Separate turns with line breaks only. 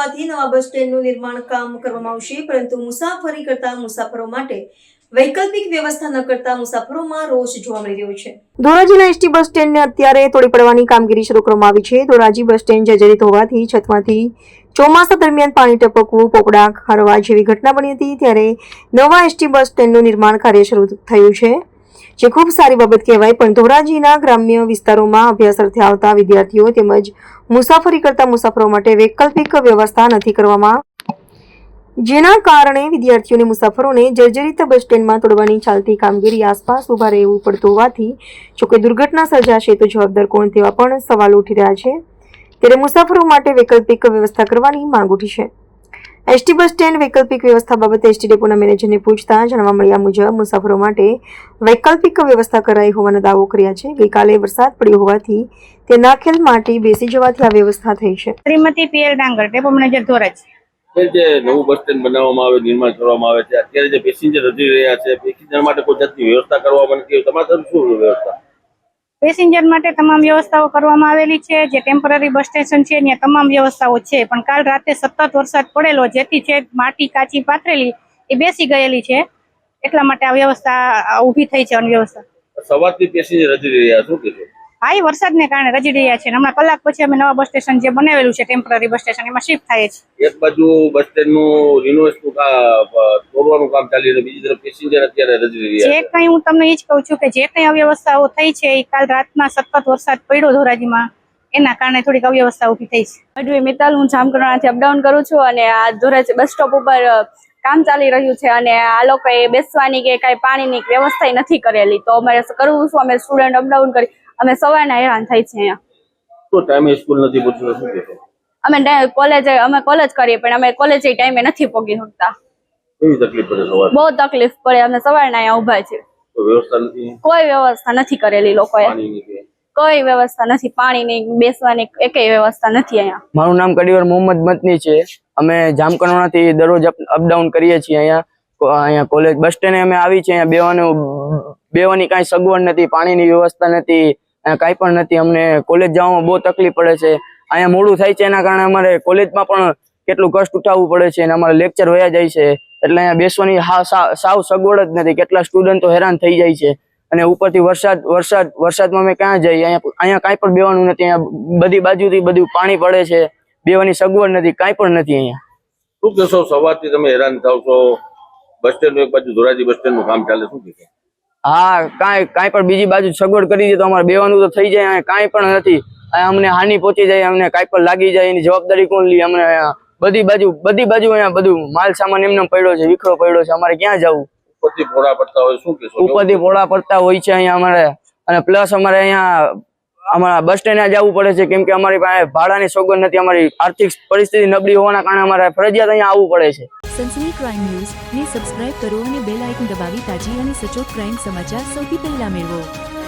હોવાથી નવા બસ સ્ટેન્ડનું નિર્માણ કામ કરવામાં આવશે, પરંતુ મુસાફરી કરતા મુસાફરો માટે વૈકલ્પિક વ્યવસ્થા ન કરતા મુસાફરોમાં રોષ જોવા મળી રહ્યો છે। ધોરાજીના એસટી બસ સ્ટેન્ડને અત્યારે તોડી પાડવાની કામગીરી શરૂ કરવામાં આવી છે। ધોરાજી બસ સ્ટેન્ડ જર્જરિત હોવાથી છતમાંથી ચોમાસા દરમિયાન પાણી ટપકવું, પોપડા ખરવા જેવી ઘટના બની હતી, ત્યારે નવા એસટી બસ સ્ટેન્ડનું નિર્માણ કાર્ય શરૂ થયું છે, જે ખૂબ સારી બાબત કહેવાય। પણ ધોરાજીના ગ્રામ્ય વિસ્તારોમાં અભ્યાસ અર્થે આવતા વિદ્યાર્થીઓ તેમજ મુસાફરી કરતા મુસાફરો માટે વૈકલ્પિક વ્યવસ્થા નથી કરવામાં, જેના કારણે વિદ્યાર્થીઓને મુસાફરોને જર્જરિત બસ સ્ટેન્ડમાં તોડવાની ચાલતી કામગીરી આસપાસ ઉભા રહેવું પડતું હોવાથી જો કોઈ દુર્ઘટના સર્જાશે તો જવાબદાર કોણ તેવા પણ સવાલો ઉઠી રહ્યા છે। ત્યારે મુસાફરો માટે વૈકલ્પિક વ્યવસ્થા કરવાની માંગ ઉઠી છે। એસટી બસ સ્ટેન્ડ વૈકલ્પિક વ્યવસ્થા બાબતે એસટી ડેપોના મેનેજરને પૂછતા જાણવા મળ્યા મુજબ મુસાફરો માટે વૈકલ્પિક વ્યવસ્થા કરાઈ હોવાનો દાવો કર્યા છે। ગઈકાલે વરસાદ પડ્યો હોવાથી તે નાખેલ માટી બેસી જવાથી આ વ્યવસ્થા થઈ છે।
Shrimati P L Dangar, depot manager Dhoraji.
જે નવું બસ સ્ટેન્ડ બનાવવામાં આવે, નિર્માણ કરવામાં આવે છે, અત્યારે જે પેસેન્જર વધી રહ્યા છે, પેસેન્જર માટે કોઈ જાતની વ્યવસ્થા કરવામાં નથી, તમારા તરફ શું વ્યવસ્થા?
પેસેન્જર માટે તમામ વ્યવસ્થાઓ કરવામાં આવેલી છે। જે ટેમ્પરરી બસ સ્ટેશન છે ત્યાં તમામ વ્યવસ્થાઓ છે, પણ કાલ રાતે સતત વરસાદ પડેલો જેથી છે માટી કાચી પાથરેલી એ બેસી ગયેલી છે, એટલા માટે આ વ્યવસ્થા ઊભી થઈ છે। અનવ્યવસ્થા
સવારથી પેસેન્જર વધી રહ્યા, શું કહેશો?
હા, એ વરસાદને કારણે રજી રહ્યા છે। હમણાં કલાક પછી અમે નવા બસ સ્ટેશન જે બનાવેલું છે ટેમ્પરરી બસ સ્ટેશન એમાં શિફ્ટ થાય છે।
એક બાજુ બસ સ્ટેન્ડનું રિનોવેશનનું તોડવાનું કામ ચાલી રહ્યું, બીજી તરફ પેસેન્જર અત્યારે રજી રહ્યા
જે કંઈ હું તમને એ જ કહું છું કે જે કંઈ અવ્યવસ્થાઓ થઈ છે એ કાલ રાતના સતત વરસાદ પડ્યો ધોરાજીમાં એના કારણે થોડીક અવ્યવસ્થા ઊભી થઈ છે।
અડવી મિત્તલ, હું જામકંડોરણાથી અપડાઉન કરું છું અને આ ધોરાજી બસ સ્ટોપ ઉપર કામ ચાલી રહ્યું છે અને આ લોકોએ બેસવાની કે કાંઈ પાણીની વ્યવસ્થા નથી કરેલી, તો અમારે કરવું શું? અમે સ્ટુડન્ટ અપડાઉન કરી અમે સવારના હેરાન થઈ છે અહીંયા।
તો ટાઈમે સ્કૂલ નથી પહોંચવું, શું કહેશો?
અમે કોલેજ કરીએ પણ અમે કોલેજ ટાઈમે નથી પહોંચી શકતા।
કેવી તકલીફ પડે સવારે?
બહુ તકલીફ પડે, અમે સવારના અહીંયા ઊભા છે,
વ્યવસ્થા નથી,
કોઈ વ્યવસ્થા નથી કરેલી લોકોએ, કોઈ વ્યવસ્થા નથી, પાણીની બેસવાની એકેય વ્યવસ્થા નથી અહીંયા।
મારું નામ કડીવર મોહમ્મદ મતની છે। અમે જામકંડોરણાથી દરરોજ અપડાઉન કરીએ છીએ। અહીંયા કોલેજ બસ સ્ટેન્ડે અમે આવી છે। અહીંયા બેવાની કાંઈ સગવડ નથી, પાણીની વ્યવસ્થા નથી, કાંઈ પણ નથી। અમને કોલેજ જવામાં બહુ તકલીફ પડે છે। અહીંયા મોડું થાય છે, એના કારણે અમારે કોલેજમાં પણ કેટલું કષ્ટ ઉઠાવવું પડે છે અને અમારે લેક્ચર વયા જાય છે, એટલે અહીંયા બેસવાની સાવ સગવડ જ નથી। કેટલા સ્ટુડન્ટો હેરાન થઈ જાય છે અને ઉપરથી વરસાદમાં અમે ક્યાં જઈએ? અહીંયા કાંઈ પણ બેવાનું નથી। અહીંયા બધી બાજુથી બધું પાણી પડે છે, બેવાની સગવડ નથી, કાંઈ પણ નથી અહીંયા।
શું કહેશો? સવારથી તમે હેરાન થાવ છો, બસ સ્ટેન્ડ એક બાજુ ધોરાજી બસ સ્ટેન્ડનું કામ ચાલે, શું કહેશો?
હા, કાંઈ પણ બીજી બાજુ સગવડ કરી દે તો અમારે બેવાનું તો થઈ જાય। અહીંયા કાંઈ પણ નથી, અમને હાનિ પહોંચી જાય, અમને કાંઈ પણ લાગી જાય એની જવાબદારી કોણ લે? અમને બધી બાજુ અહીંયા બધું માલ સામાન એમને પડ્યો છે, વિખરો પડ્યો છે, અમારે ક્યાં જવું?
ઉપરથી પોળા પડતા હોય, શું કહેશો?
ઉપરથી પોળા પડતા હોય છે અહીંયા અમારે, અને પ્લસ અમારે અહીંયા અમારા બસ સ્ટેન્ડે જવું પડે છે, કેમ કે અમારી પાસે ભાડાની સગવડ નથી। અમારી આર્થિક પરિસ્થિતિ નબળી હોવાના કારણે અમારે ફરજિયાત અહીંયા આવવું પડે છે।
સનસની ક્રાઇમ ન્યૂઝ ને સબસ્ક્રાઇબ કરો અને બેલ આઇકન દબાવી તાજી અને સચોટ ક્રાઇમ સમાચાર સૌથી પહેલા મેળવો।